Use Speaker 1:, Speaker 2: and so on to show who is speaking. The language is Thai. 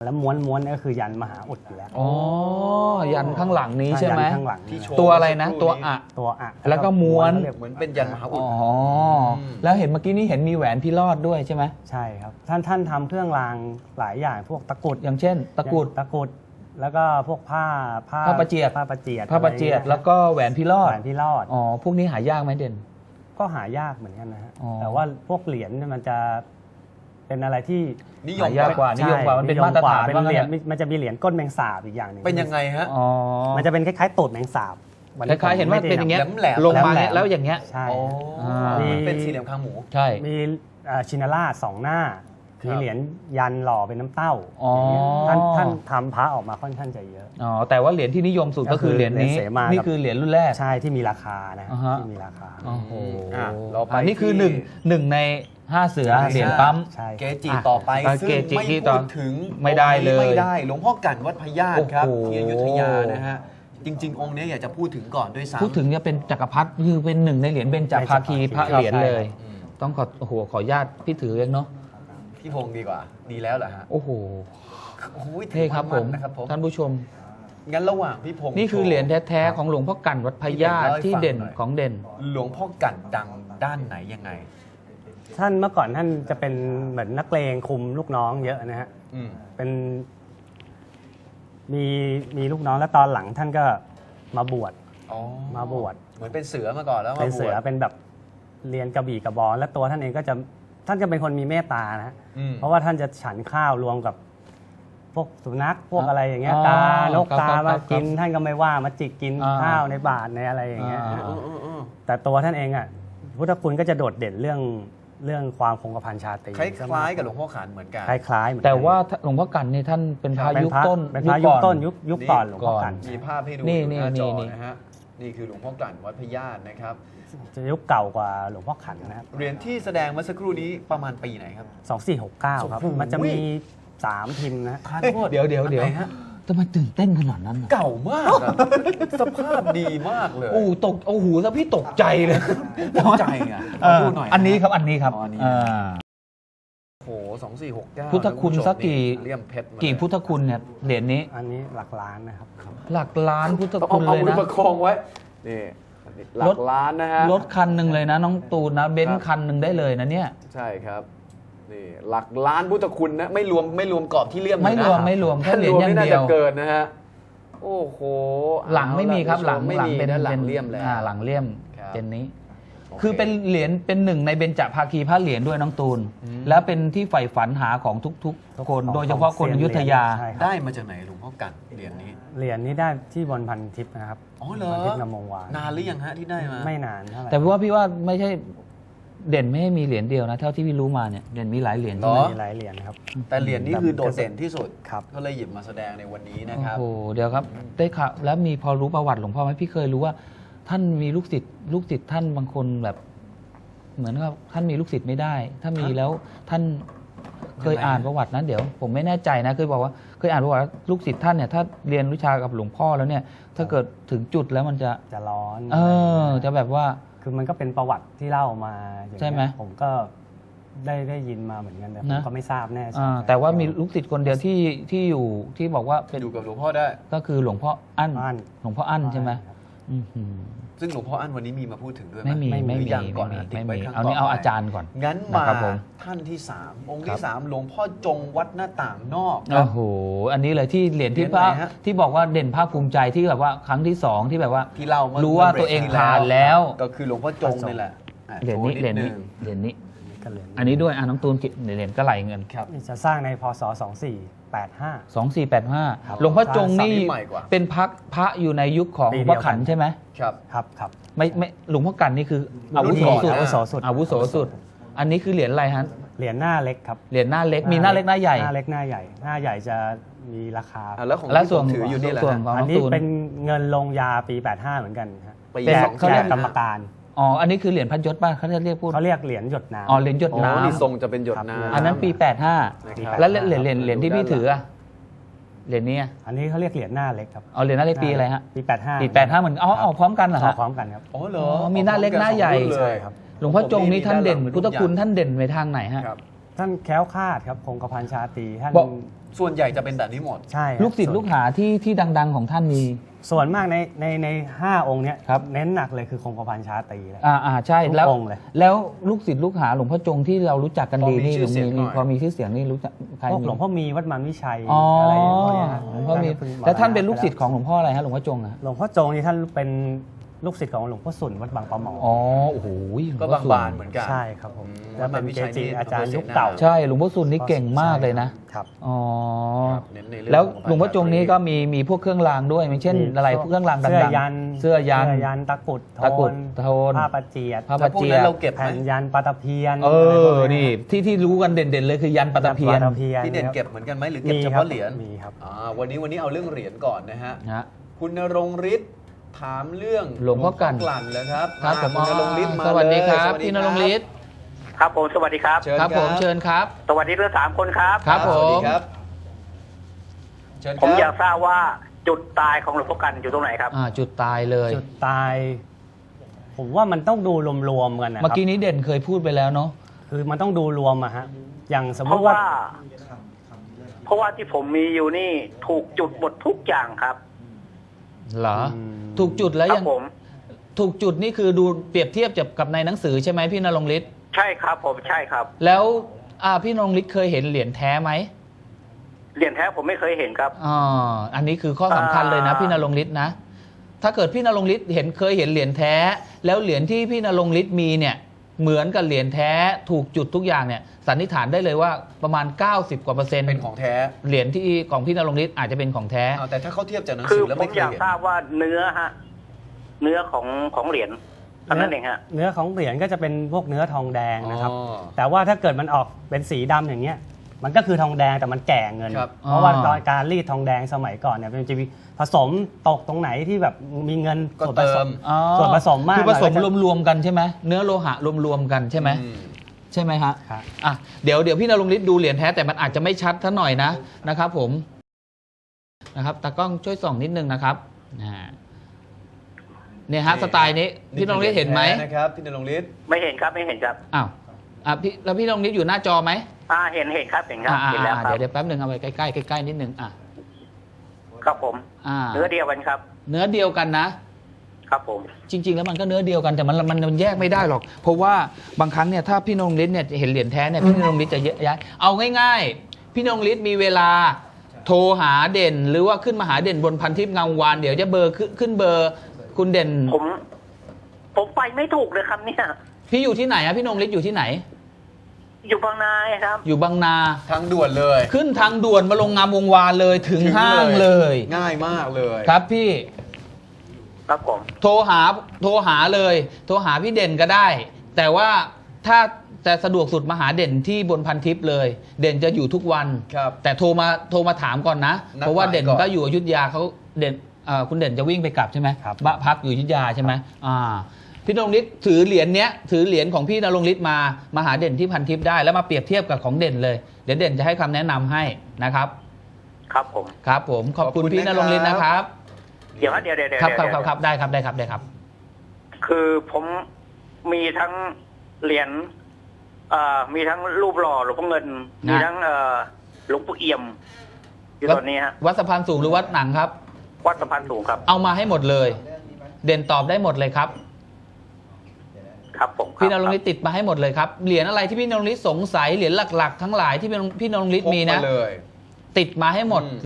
Speaker 1: แล้วม้วนก็คือยันมหาอุดอยู่แล้ว
Speaker 2: อ๋อยันข้างหลังนี้ใช่ไหม
Speaker 1: ยันข้างหลัง
Speaker 3: ที่โช
Speaker 2: ตัวอะไรนะตัวอะ
Speaker 1: ตัวอะ
Speaker 2: แล้วก็ม้วน
Speaker 3: เหมือนเป็นยันมหาอุด
Speaker 2: อ๋อแล้วเห็นเมื่อกี้นี้เห็นมีแหวนพิรอดด้วยใช่ไหม
Speaker 1: ใช่ครับท่านทำเครื่องรางหลายอย่างพวกตะกรุด
Speaker 2: อย่างเช่นตะกรุด
Speaker 1: แล้วก็พวกผ้า
Speaker 2: ผ้าประเจียด
Speaker 1: ผ้าประเจียด
Speaker 2: พระประเจียดแล้วก็แหวนพิรอด
Speaker 1: แหวนพี่รอด
Speaker 2: อ๋อพวกนี้หายากไหมเด่น
Speaker 1: ก็หายากเหมือนกันนะฮะ
Speaker 2: อ๋อ
Speaker 1: แต่ว่าพวกเหรียญเนี่ยมันจะเป็นอะไรที่
Speaker 3: นิยม
Speaker 2: หายากกว่า นิยมกว่ามันเป็นมาตรฐาน
Speaker 1: เป็น
Speaker 2: ว่างั้น
Speaker 1: เหรียญ
Speaker 2: เถอะ
Speaker 1: มันจะมีเหรียญก้นแมงสาบอีกอย่างหนึง
Speaker 3: เป็นยังไงฮะ
Speaker 2: อ๋อ
Speaker 1: มันจะเป็นคล้ายๆตูดแมงสาบ
Speaker 2: คล้ายๆเห็นว่าเป็นอย่างเงี้ย
Speaker 3: แหลมๆ
Speaker 2: ลงมา
Speaker 1: แหลมๆ
Speaker 2: เนี่ยแล้วอย่างเงี้ย
Speaker 1: ใช่
Speaker 3: อ๋อ
Speaker 2: มี
Speaker 3: มันเป็นสี่เหลี่ยมคางหมู
Speaker 2: ใช่
Speaker 1: มีชินาราชสองหน้า
Speaker 3: ครับ
Speaker 1: มีเหรียญยันหล่อเป็นน้ำเต้า
Speaker 2: อ๋อ
Speaker 1: อย่างเงี้ยท่านทำพระออกมาค่อนข้างจะเยอะ
Speaker 2: อ๋อแต่ว่าเหรียญที่นิยมสุดก็คือเหรียญนี้
Speaker 1: เหรียญเสมานี่
Speaker 2: นี่คือเหรียญรุ่นแรก
Speaker 1: ใช่ที่มีราคานะ
Speaker 2: อ่าฮะ
Speaker 1: ที่มีราคา
Speaker 2: โอ้โห
Speaker 3: เราไป
Speaker 2: นี่คือ
Speaker 3: ที่
Speaker 2: หนึ่งใน5 เสือ
Speaker 3: ใช่
Speaker 2: เหรียญปั๊ม
Speaker 1: ใช่
Speaker 3: เกจิต่อไป
Speaker 2: อ่ะ
Speaker 3: ซึ่ง
Speaker 2: เกจิ
Speaker 3: ไม่
Speaker 2: ที่ต่
Speaker 3: พู
Speaker 2: อ
Speaker 3: ดถึง
Speaker 2: ไม่ได้เลย
Speaker 3: ไม่ได้หลวงพ่อกั่นวัดพญาตครับ
Speaker 2: โอ้โห
Speaker 3: ที่อยุธยานะฮะจริง ๆ องค์เนี้ยอยากจะพูดถึงก่อนด้วยซ้ำ
Speaker 2: พูดถึงเนี่ยเป็นจักรพรรดิคือเป็นหนึ่งในเหรียญเบญจภาคีพระเหรียญเลย
Speaker 3: อืม
Speaker 2: ต้องขออนุญาตพี่ถือเองเนาะ
Speaker 3: พี่พงศ์ดีกว่า ดีแล้วเหรอฮะ
Speaker 2: โอ้โห
Speaker 3: โอ้ย
Speaker 2: เท่ครับผม
Speaker 3: นะครับผม
Speaker 2: ท่านผู้ชม
Speaker 3: งั้นระหว่างพี่พงศ์
Speaker 2: นี่คือเหรียญแท้ๆของหลวงพ่อกั่นวัดพญาตที่เด่นของเด่น
Speaker 3: หลวงพ่อกั่นดังด้านไหนยังไง
Speaker 1: ท่านเมื่อก่อนท่านจะเป็นเหมือนนักเลงคุมลูกน้องเยอะนะฮะ
Speaker 3: อืม
Speaker 1: เป็นมีลูกน้องแล้วตอนหลังท่านก็มาบวช
Speaker 3: อ๋อ
Speaker 1: มาบวช
Speaker 3: เหมือนเป็นเสือมาก่อนแล้วมา
Speaker 1: เป็นเสือบ
Speaker 3: วช
Speaker 1: เป็นแบบเรียนกระบี่กระบองและตัวท่านเองก็จะท่านจะเป็นคนมีเมตตานะฮะ
Speaker 3: อืม
Speaker 1: เพราะว่าท่านจะฉันข้าวรวมกับพวกสุนัขพวกอะไรอย่างเงี้ย
Speaker 2: อ๋อ
Speaker 1: กานก
Speaker 2: ครับ
Speaker 1: กา
Speaker 2: ครับ
Speaker 1: มา
Speaker 2: ครับ
Speaker 1: กินท่านก็ไม่ว่ามาจิกกิน
Speaker 2: อ่า
Speaker 1: ข้าวในบาตรในอะไรอย่างเงี้ย
Speaker 2: อ่า
Speaker 3: เออ
Speaker 1: แต่ตัวท่านเองอ่ะพุทธคุณก็จะโดดเด่นเรื่องความคงกระพันชาตรี
Speaker 3: คล้ายๆกับหลวงพ่อขันเหมือนกัน
Speaker 1: คล้ายๆเหมือนกัน
Speaker 2: แต่ว่าหลวงพ่อกั่นนี่ท่านเป็นพระ
Speaker 1: เป็น
Speaker 2: ยุค
Speaker 1: พระ
Speaker 2: ต้น
Speaker 1: เป็นพระยุคต้นยุคก่อนหลวงพ่อ
Speaker 2: ก่อน
Speaker 1: กัน
Speaker 3: มีภาพให้ดู
Speaker 2: นี่
Speaker 3: อยู่หน้าจอ
Speaker 2: นี่
Speaker 3: นะฮะนี่คือหลวงพ่อกั่นวัดพญาตนะครับ
Speaker 1: จะยุคเก่ากว่าหลวงพ่อขันนะครับ
Speaker 3: เหรียญที่แสดงเมื่อสักครู่นี้ประมาณปีไหนครับ
Speaker 1: 2469 ครับ
Speaker 3: โอ้โห
Speaker 1: มันจะมี3พิมพ์นะ
Speaker 3: ทานโทษ
Speaker 2: เดี๋ยว
Speaker 3: อันไหนฮะ
Speaker 2: ทำไมตื่นเต้นขนาดนั้นน่ะ
Speaker 3: เก่ามากอะสภาพดีมากเลย
Speaker 2: โอ้โอ้โหซะพี่ตกใจเลย
Speaker 3: ตกใจอ่ะขอดูหน่อยะ
Speaker 2: อันนี้ครับอันนี้ครับ
Speaker 3: อ๋ออันนี้
Speaker 2: อ่า
Speaker 3: โอ้โห2469
Speaker 2: พุทธคุณสักกี่
Speaker 3: เลี่ยมเพชรมา
Speaker 2: กี่พุทธคุณเนี่ยเหรียญนี้
Speaker 1: อันนี้หลักล้านนะครับ
Speaker 2: หลักล้านพุทธ
Speaker 3: ต้อง
Speaker 2: คุณ
Speaker 3: เอา
Speaker 2: เลย
Speaker 3: มือ
Speaker 2: นะ
Speaker 3: ประคองไว้นี่หลั
Speaker 2: ร
Speaker 3: ก
Speaker 2: ถ
Speaker 3: ล้านนะฮะ
Speaker 2: รถคันหนึ่งเลยนะน้องตูนนะเบน
Speaker 3: ครั
Speaker 2: ซ์
Speaker 3: บ
Speaker 2: คันหนึ่งได้เลยนะเนี่ย
Speaker 3: ใช่ครับนี่หลักล้านพุทธคุณนะไม่รวมกรอบที่เลี่ยมเลยนะ
Speaker 2: ไม่รวมแค่เหรียญอย่าง
Speaker 3: ถ้
Speaker 2: เดียว
Speaker 3: น่าจะเกินนะฮะโอ้โห
Speaker 2: หลังไม่มีครับหลัง
Speaker 3: ไม่มี
Speaker 2: เป็น
Speaker 3: ด้านหลังเลี่ยมแล้ว
Speaker 2: หลังเลี่ยม
Speaker 3: ครับ
Speaker 2: เป็นนี้
Speaker 3: โอเค
Speaker 2: คือเป็นเหรียญเป็นหนึ่งในเบญจภาคีพระเหรียญด้วยน้องตูน
Speaker 3: อืม
Speaker 2: แล้วเป็นที่ใฝ่ฝันหาของทุกๆคน โดยเฉพาะคนอยุธยา
Speaker 1: ใช่ครับ
Speaker 3: ได้มาจากไหนหลวงพ่อกั่นเหรียญนี้
Speaker 1: เหรียญนี้ได้ที่บนพันทิพย์นะครับ
Speaker 3: อ๋อเหรอ
Speaker 1: พันทิพย์นำมงวาน
Speaker 3: นานหรือยังฮะที่ได้มา
Speaker 1: ไม่นานเท่าไหร่
Speaker 2: แต่ว่าพี่ว่าไม่ใช่เด่นไม่ให้มีเหรียญเดียวนะ เท่าที่พี่รู้มาเนี่ยเด่นมีหลายเหรียญ
Speaker 3: เหรอ
Speaker 1: มีหลายเหรียญครับ
Speaker 3: แต่เหรียญนี้คือโดดเด่นที่สุด
Speaker 1: ครับ
Speaker 3: ก็เลยหยิบมาแสดงในวันนี้นะ
Speaker 2: โอ้
Speaker 3: ครับ
Speaker 2: โหเดี๋ยวครับได้ข่าวแล้วมีพอรู้ประวัติหลวงพ่อไหมพี่เคยรู้ว่า ท่านมีลูกศิษย์ท่านบางคนแบบ เหมือนกับท่านมีลูกศิษย์ไม่ได้ ถ้ามีแล้วท่านเคย
Speaker 3: ยังไง
Speaker 2: อ่านประวัตินะเดี๋ยวผมไม่แน่ใจนะเคยบอกว่าเคยอ่านประวัติว่าลูกศิษย์ท่านเนี่ยถ้าเรียนวิชากับหลวงพ่อแล้วเนี่ย ถ้าเกิดถึงจุดแล้วมันจะ
Speaker 1: จะร้อน
Speaker 2: จะแบบว่า
Speaker 1: คือมันก็เป็นประวัติที่เล่ามาอย่างเงี้ย
Speaker 2: ใช่ไหม
Speaker 1: ผมก็ได้ยินมาเหมือนกันแต่ผม
Speaker 2: นะ
Speaker 1: ก็ไม่ทราบแน่ชัด
Speaker 2: แต่ว่ามีลูกศิษย์คนเดียวที่อยู่ที่บอกว่าเป็น
Speaker 3: อยู่กับหลวงพ่อได้
Speaker 2: ก็คือหลวงพ่ออั้น
Speaker 1: อั้น
Speaker 2: หลวงพ่ออั้นใช่ไหม
Speaker 1: ครับ
Speaker 2: อื้อหือ
Speaker 3: ซึ่งหลวงพ่ออั้นวันนี้มีมาพูดถึงด้วยห
Speaker 2: ไม่มี
Speaker 3: ห
Speaker 2: ไม่
Speaker 3: รือ
Speaker 2: มี
Speaker 3: ยังก่อนนะติด
Speaker 2: ไม่
Speaker 3: ไว้
Speaker 2: มี
Speaker 3: ครั้ง
Speaker 2: เอานี้
Speaker 3: ต่
Speaker 2: เอา
Speaker 3: ไป
Speaker 2: อาจารย์ก่อน
Speaker 3: งั้น
Speaker 2: นะ
Speaker 3: มา
Speaker 2: ครับผม
Speaker 3: ท่านที่ 3 องค์
Speaker 2: ค
Speaker 3: ที่
Speaker 2: รับ
Speaker 3: 3 หลวงพ่อจงวัดหน้าต่างนอกครั
Speaker 2: โอ้
Speaker 3: บ
Speaker 2: โหอันนี้เลยที่เหรียญที่
Speaker 3: เหรียญไหนฮะ
Speaker 2: ที่บอกว่าเด่นภาคภูมิใจที่แบบว่าครั้งที่ 2 ที่แบบว่า
Speaker 3: ที่เล่าเมื่อ
Speaker 2: รู้ว่าตัวเองผ่านแล้ว
Speaker 3: ก็คือหลวงพ่อจงนี่แหละอ่ะ
Speaker 2: เหรียญนี้
Speaker 3: โช
Speaker 2: เหรียญ
Speaker 3: ด
Speaker 2: นี้
Speaker 3: ง
Speaker 2: เหรียญนี้
Speaker 1: ก็เหรียญ
Speaker 2: อันนี้ด้วยน้องตูนเหรียญก็ไหลเงิน
Speaker 3: ครับ
Speaker 1: นี่จะสร้างในพศ 2485 ครับ
Speaker 2: 2485 หลวงพ่อจงนี่
Speaker 3: สามนิดใหม่กว่า
Speaker 2: เป็นพระอยู่ในยุคของห
Speaker 1: ปี
Speaker 2: ลวง
Speaker 1: เดี
Speaker 2: พ่
Speaker 1: ย
Speaker 2: อ
Speaker 1: วกัน
Speaker 2: ขันใช่ไหม
Speaker 3: ครับ
Speaker 1: ครับ
Speaker 2: ไม่หลวงพ่อกันนี่คืออาวุโสสุด
Speaker 3: รุ่นก่อน
Speaker 1: อาวุโสสุด
Speaker 2: อาวุโสสุด อันนี้คือเหรียญอะไรฮะ
Speaker 1: เหรียญหน้าเล็กครับ
Speaker 2: เหรียญหน้าเล็กมีหน้าเล็กหน้าใหญ่
Speaker 1: หน้าเล็กหน้าใหญ่ หน้าใหญ่จะมีราคา
Speaker 3: อ่ะแล้วของ
Speaker 2: และ
Speaker 3: ที่
Speaker 2: ส่วน
Speaker 3: ผมถืออยู่นี่แหละ
Speaker 2: ส่วน
Speaker 3: ฮะ
Speaker 2: ของ
Speaker 1: อั
Speaker 2: น้
Speaker 1: น
Speaker 2: อง
Speaker 1: นี้
Speaker 2: ตูน
Speaker 1: เป็นเงินลงยาปี 85 เหมือนกันฮะ
Speaker 3: ปี
Speaker 1: แจก
Speaker 3: สอง
Speaker 1: แจ
Speaker 3: แจ
Speaker 1: ก
Speaker 3: ก
Speaker 1: กรรมการ
Speaker 2: อ๋ออันนี้คือเหรียญพันยศป่ะเขาจะเรียกพูด
Speaker 1: เขาเรียกเหรียญหยดน้ำ
Speaker 2: อ๋อเหรียญหยด
Speaker 3: อ๋อ
Speaker 2: น้ำ
Speaker 3: นี่ทรงจะเป็นหยดน้ำ
Speaker 2: อันนั้นปี
Speaker 3: นะครับ
Speaker 2: 85 แล้วเหรียญที่พี่ถืออะเหรียญนี้อะ
Speaker 1: อันนี้เขาเรียกเหรียญหน้าเล็กครับ
Speaker 2: เอาเหรียญหน้าเล็กปีอะไรฮะ
Speaker 1: ปี 85
Speaker 2: ปี85เหมือนเอาพร้อมกันเหรอ
Speaker 1: เอา
Speaker 2: ฮะ
Speaker 1: พร้อมกันครับ
Speaker 3: อ๋อเหรอ
Speaker 2: มีหน้าเล็กหน้าใหญ่
Speaker 3: สองรุ่นเลย
Speaker 1: ใช่ครับ
Speaker 2: หลวงพ่อจงนี้ท่านเด่น
Speaker 3: ผมมี
Speaker 2: พุทธคุณ
Speaker 3: ด้านหลัง
Speaker 2: ท่านเด่นไปทางไหนฮะ
Speaker 3: ครับ
Speaker 1: ท่านแคล้วคลาดครับคงกระพันชาตรีท่าน
Speaker 2: บอก
Speaker 3: ส่วนใหญ่จะเป็นแบบนี้หมด
Speaker 1: ใช่ครับ
Speaker 2: ลูกศิษย์ลูกหาที่ดัง ๆ ของท่านมี
Speaker 1: ส่วนมากใน5 องค์เนี้ย
Speaker 2: ครับ
Speaker 1: เน้นหนักเลยคือคงกระพันชาตรีแหละ
Speaker 2: ใช่
Speaker 1: ทุก
Speaker 2: แล้ว
Speaker 1: องค์เลย
Speaker 2: แล้วลูกศิษย์ลูกหาหลวงพ่อจงที่เรารู้จักกันดี
Speaker 3: พอมี
Speaker 2: นี่
Speaker 3: ชื่อเสียงหน่อย
Speaker 2: พอมีชื่อเสียงนี่รู้จักใคร
Speaker 1: พวก
Speaker 2: มี
Speaker 1: หลวงพ่อมีวัดมันวิชัย
Speaker 2: อ๋อ
Speaker 1: อะไรอย่างเงี้ยฮะ
Speaker 2: หลวงพ่อมี
Speaker 1: พิ่งมรณะ
Speaker 2: แล้วท่านเป็นลูกศิษย์ของหลวงพ่ออะไรฮะหลวงพ่อจงอะ
Speaker 1: หลวงพ่อจงนี่ท่านเป็นลูกศิษย์ของหลวงพ่อสุนวัดบางปะหมอ
Speaker 2: อ๋อโอ้โห
Speaker 3: ก็บางบานเหมือนกัน
Speaker 1: ใช่ครับผม
Speaker 3: วั
Speaker 1: แล้
Speaker 3: ด
Speaker 1: ว
Speaker 3: มั
Speaker 1: เป็น น
Speaker 3: วิ
Speaker 1: เก
Speaker 3: ชัย
Speaker 1: จิ
Speaker 3: นี่
Speaker 1: อาจารย์
Speaker 3: อำเภอ
Speaker 1: ยุค
Speaker 3: เสนา
Speaker 1: เก่า
Speaker 2: ใช่หลวงพ่อสุนนี่เก่งมากเลยนะ
Speaker 1: ครับ
Speaker 2: อ๋อ
Speaker 3: ครับเน้นในเรื่อง
Speaker 2: แล้ว
Speaker 3: ของ
Speaker 2: หลวงพ่อจงนี้ก็มีพวกเครื่องรางด้วยอย่างเช่น
Speaker 1: มี
Speaker 2: อะไรพวกเครื่องรางดัง
Speaker 1: เสื้อ
Speaker 2: ๆ
Speaker 1: ยัน
Speaker 2: เสื้อยัน
Speaker 1: ตะกรุด
Speaker 2: ตะกรุด
Speaker 1: โท
Speaker 2: โทน
Speaker 1: ผ้าประเจียด
Speaker 2: ผ้า
Speaker 3: แล้วพวก
Speaker 2: เจีย
Speaker 3: นั้นเราเก็บไหม
Speaker 1: แผ่นยันปาตะเพียน
Speaker 2: เอ
Speaker 1: อะไรพวก
Speaker 2: อนี่ที่รู้กันเด่นๆเลยคือยันปัตตะเพียน
Speaker 1: ปาตะเพียน
Speaker 3: พี่เด่น
Speaker 1: ครับ
Speaker 3: เก็บเหมือนกันไหมหรือเก็บ
Speaker 1: มี
Speaker 3: เฉ
Speaker 1: ครับ
Speaker 3: พาะเหรียญ
Speaker 1: มีครับ
Speaker 3: วันนี้เอาเรื่องเหรียญก่อนนะฮะ
Speaker 2: นะ
Speaker 3: คุณณรงค์ฤทธิ์ถามเรื่อง
Speaker 2: หลวงพ่อกลั่น
Speaker 3: แล้วครับ
Speaker 2: ครับผม
Speaker 3: คุณณรงค์ฤทธิ์มา
Speaker 2: สวัสดีครับ
Speaker 3: เลย
Speaker 2: พี่นรงค์ฤทธิ์
Speaker 4: ครับผมสวัสดีครับ
Speaker 3: เชิญ
Speaker 2: ครับผมเชิญครับ
Speaker 4: สวัสดีทั้ง3 คนครับ
Speaker 2: ครับ
Speaker 3: สวัสดี
Speaker 2: ผม
Speaker 3: ครับเชิญค
Speaker 4: ผม
Speaker 3: รับ
Speaker 4: อยากทราบว่าจุดตายของหลวงพ่อกันอยู่ตรงไหนครับ
Speaker 2: จุดตายเลย
Speaker 1: จุดตาย ผมว่ามันต้องดูรวมๆกันนะค
Speaker 2: เมื่อ
Speaker 1: รับ
Speaker 2: กี้นี้เด่นเคยพูดไปแล้วเนาะ
Speaker 1: คือมันต้องดูรวมอะฮะอย่างสม
Speaker 4: เพ
Speaker 1: ม
Speaker 4: ราะ
Speaker 1: ติว่า
Speaker 4: ว่าที่ผมมีอยู่นี่ถูกจุดหมดทุกอย่างครับ
Speaker 2: เหรอ ถูกจุดแล้ว
Speaker 4: ครั
Speaker 2: ยัง
Speaker 4: ผม
Speaker 2: ถูกจุดนี่คือดูเปรียบเทียบกับในหนังสือใช่ไหมพี่นรงค์ฤทธิ์
Speaker 4: ใช่ครับผมใช่ครับ
Speaker 2: แล้วพี่นรงค์ฤทธิ์เคยเห็นเหรียญแท้ไหม
Speaker 4: เหรียญแท้ผมไม่เคยเห็นครับ
Speaker 2: อันนี้คือข้อสำคัญเลยนะ
Speaker 4: อ่า
Speaker 2: พี่นรงค์ฤทธิ์นะ ถ้าเกิดพี่นรงค์ฤทธิ์เคยเห็นเหรียญแท้ แล้วเหรียญที่พี่นรงค์ฤทธิ์มีเนี่ยเหมือนกับเหรียญแท้ถูกจุดทุกอย่างเนี่ยสันนิษฐานได้เลยว่าประมาณ 90 กว่าเปอร์เซ็นต์
Speaker 3: เป็นของแท้
Speaker 2: เหรียญที่ของพี่นรงค์ฤทธิ์อาจจะเป็นของแท้
Speaker 3: แต่ถ้าเขาเทียบจากหนัง
Speaker 4: คื
Speaker 3: สื
Speaker 4: อ
Speaker 3: อแล้ว
Speaker 4: ผ
Speaker 3: ไม่
Speaker 4: ม
Speaker 3: เค
Speaker 4: อย ยาก
Speaker 3: เห็น
Speaker 4: ทราบว่าเนื้อเนื้อของเหรียญเท่านั้นเองฮะ
Speaker 1: เนื้อของเหรียญก็จะเป็นพวกเนื้อทองแดงนะครับ
Speaker 3: อ๋อ
Speaker 1: แต่ว่าถ้าเกิดมันออกเป็นสีดำอย่างเงี้ย มันก็คือทองแดงแต่มันแก่เงิน
Speaker 3: ครับ
Speaker 1: เพราะว่า
Speaker 2: อ๋อ
Speaker 1: ตอนการรีดทองแดงสมัยก่อนเนี่ยมันจะมีผสมตกตรงไหนที่แบบมีเงิน
Speaker 3: ก็
Speaker 1: ส่วนผ
Speaker 3: เติ
Speaker 1: ส
Speaker 3: ม
Speaker 1: ส่วนผสมมาก
Speaker 2: คือผสม
Speaker 1: หน่อยก็จะ
Speaker 2: รวมๆกันใช่ไหมเนื้อโลหะรวมๆกันใช่ไหม
Speaker 3: อืม
Speaker 2: ใช่ไหมฮะ
Speaker 1: ครับ
Speaker 2: เดี๋ยวพี่นรงค์ฤทธิ์ดูเหรียญแท้แต่มันอาจจะไม่ชัดท่าหน่อยนะครับผมนะครับตากล้องช่วยส่องนิดนึงนะครับเนี่ยฮะสไตล์นี้พี่นรงค์ฤทธิ์เห็นไหม
Speaker 3: แท้นะครับพี่นรงค์ฤทธิ์
Speaker 4: ไม่เห็นครับไม่เห็นครับ
Speaker 2: อ้าวแล้วพี่นรงค์ฤทธิ์อยู่หน้าจอไหม
Speaker 4: เห็นครับเห็นครับเห็นแล้วครับ
Speaker 2: เดี๋ยวแป๊บหนึ่งเอาไปใกล้ๆใกล้ๆนิดนึง
Speaker 4: ครับผม เนื้อเดียวกันครับ
Speaker 2: เนื้อเดียวกันนะ
Speaker 4: ครับผม
Speaker 2: จริง ๆ แล้วมันก็เนื้อเดียวกันแต่มันแยกไม่ได้หรอก เพราะว่าบางครั้งเนี่ยถ้าพี่นรงค์ฤทธิ์เนี่ยเห็นเหรียญแท้เนี่ยพี่นรงค์ฤทธิ์จะย้ายเอาง่ายๆ พี่นรงค์ฤทธิ์มีเวลาโทรหาเด่น หรือว่าขึ้นมาหาเด่นบนพันทิพย์เงาวานเดี๋ยวจะเบอร์ขึ้นเบอร์คุณเด่น
Speaker 4: ผมไปไม่ถูกเลยครับเนี่ย
Speaker 2: พี่อยู่ที่ไหนอะพี่นรงค์ฤทธิ์อยู่ที่ไหน
Speaker 4: อยู่บางนาครับ
Speaker 2: อยู่บางนา
Speaker 3: ทางด่วนเลย
Speaker 2: ขึ้นทางด่วนมาลงงามวงวานเลยถึงห้างเลย
Speaker 3: ง่ายมากเลย
Speaker 2: ครับพี่
Speaker 4: ครับผม
Speaker 2: โทรหาเลยโทรหาพี่เด่นก็ได้ แต่ว่าถ้าจะสะดวกสุดมาหาเด่นที่บนพันทิพย์เลย เด่นจะอยู่ทุกวัน
Speaker 3: ครับ
Speaker 2: แต่โทรมาถามก่อนนะ
Speaker 3: นัด
Speaker 2: เพราะว่าเด่น
Speaker 3: หมายก่อน
Speaker 2: ก็อยู่อยุธยาเขาเด่นคุณเด่นจะวิ่งไปกลับใช่ไหม
Speaker 1: ครับ
Speaker 2: บ้านพักอยู่อยุธยาใช่ไหมพี่นรงค์ฤทธิ์ถือเหรียญถือเหรียญของพี่นรงค์ฤทธิ์มาหาเด่นที่พันทิพย์ได้แล้วมาเปรียบเทียบกับของเด่นเลยเดี๋ยวเด่นจะให้คำแนะนำให้นะครับ
Speaker 4: ครับผม
Speaker 2: ครับผมขอบคุณพี่นรงค์ฤทธิ์นะครับ
Speaker 4: เดี๋ยวเดี๋ยว
Speaker 2: ครับได้ครับ
Speaker 4: คือผมมีทั้งเหรียญมีทั้งรูปหล่อหลวงพ่อเงิน มีทั้งหลวงปู่เอี่ยมอยู่ตอนนี้ฮะ
Speaker 2: วัดสะพานสูงหรือวัดหนังครับ
Speaker 4: วัดสะพานสูงครับ
Speaker 2: เอามาให้หมดเลย เด่นตอบได้หมดเลยครับ
Speaker 4: ครับผมครับ
Speaker 2: พี่นรงค์ฤทธิ์ติดมาให้หมดเลยครับเหรียญอะไรที่พี่นรงค์ฤทธิ์สงสัยเหรียญหลักๆ ทั้งหลายที่พี่นรงค์ฤทธิ์มีนะ
Speaker 3: พกาเลย
Speaker 2: ติดมาให้หมด